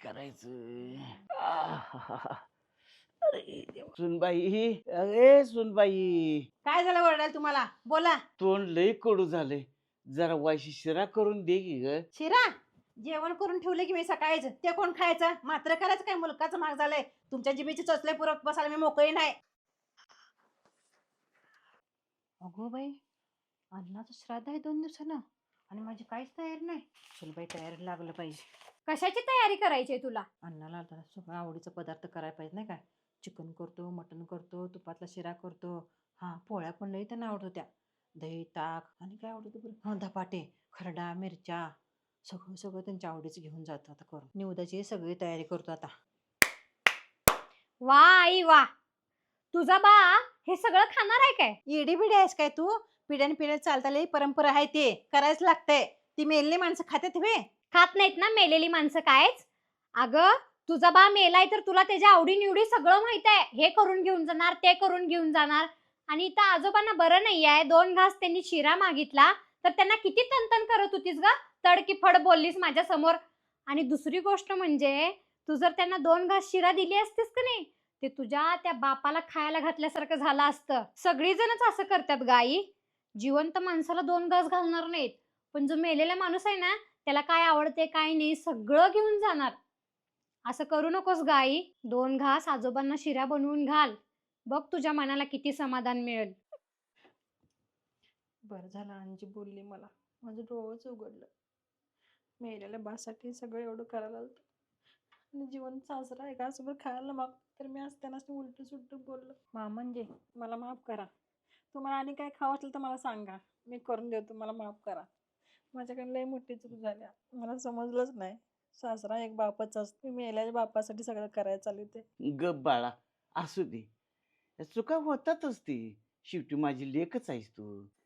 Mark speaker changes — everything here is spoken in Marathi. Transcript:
Speaker 1: करायचं? अरे देवा. सुनबाई, अरे सुनबाई,
Speaker 2: काय झालं वरडाल तुम्हाला? बोला.
Speaker 1: तोंड लई कडू झाले. जरा वायशी शिरा करून दे की ग.
Speaker 2: शिरा जेवण करून ठेवले की मी सकाळीच. ते कोण खायचं? मात्र करायचं काय? मुलकाचं महाग झालंय. तुमच्या जिभेचे चोचले पुरत बसायला मी मोकळी नाही. अगो बाई, अन्नाचं श्राद्ध आहे 2 दिवसानं आणि माझी काहीच तयारी नाही. चल बाई, तयारी लागलं पाहिजे.
Speaker 3: कशाची तयारी करायची आहे तुला?
Speaker 2: अन्नाला आता सगळं आवडीचा पदार्थ करायला पाहिजे नाही काय? चिकन करतो, मटण करतो, तुपातला शिरा करतो. हां, पोळ्या पण लई त्यांना आवडत होत्या. दही, ताक आणि काय आवडत होतं बरं? हां, धपाटे, खरडा, मिरच्या. सगळं सगळं त्यांच्या आवडीचं घेऊन जातो आता करून. निवदाची सगळी तयारी करतो आता.
Speaker 3: वा आई वा, तुझा बा हे सगळं खाणार आहे काय?
Speaker 2: येडी बिडी आहेस काय तू? पिढ्यान पिढ्या चालताली परंपरा आहे ते करायच लागतंय. ती मेलेली माणसं खात्यात वे.
Speaker 3: खात नाहीत ना मेलेली माणसं कायच? अगं तुझा बा मेलाय तर तुला त्याच्या आवडीनिवडी सगळं माहित आहे. हे करून घेऊन जाणार, ते करून घेऊन जाणार. आणि इथं आजोबांना बरं नाही आहे, 2 घास त्यांनी शिरा मागितला तर त्यांना किती तनतन करत होतीस ग? तडकी फड बोललीस माझ्या समोर. आणि दुसरी गोष्ट म्हणजे तू जर त्यांना 2 घास शिरा दिली असतीस का नाही, ते तुझ्या त्या बापाला खायला घातल्यासारखं झालं असतं. सगळीजणच असं करतात गाई. जिवंत माणसाला 2 घास घालणार नाहीत, पण जो मेलेला माणूस आहे ना त्याला काय आवडते काय नाही सगळं घेऊन जाणार. असं करू नकोस गाई. 2 घास आजोबांना शिरा बनवून घाल, बघ तुझ्या मनाला किती समाधान मिळेल.
Speaker 2: बरं झालं अंजी बोलली मला. माझं डोळंच उघडलं. मेलेल्या बासाठी सगळं एवढं करायला लागतं आणि जिवंत सासरा आहे का सोबत खायला माग तर मी आज त्यांना उलट सुलट बोललो. म्हणजे मला माफ करा. तुम्हाला आणि काय खावं असेल तर मला सांगा, मी करून देतो. मला माफ करा. माझ्याकडे लई मोठी चूक झाली. मला समजलंच नाही सासरा एक बापच असतो. मी मेलेल्या बापासाठी सगळं करायला चालू ते.
Speaker 1: गप बाळा, असू दे. चुका होतातच ती. शेवटी माझी लेकच आहेस तू.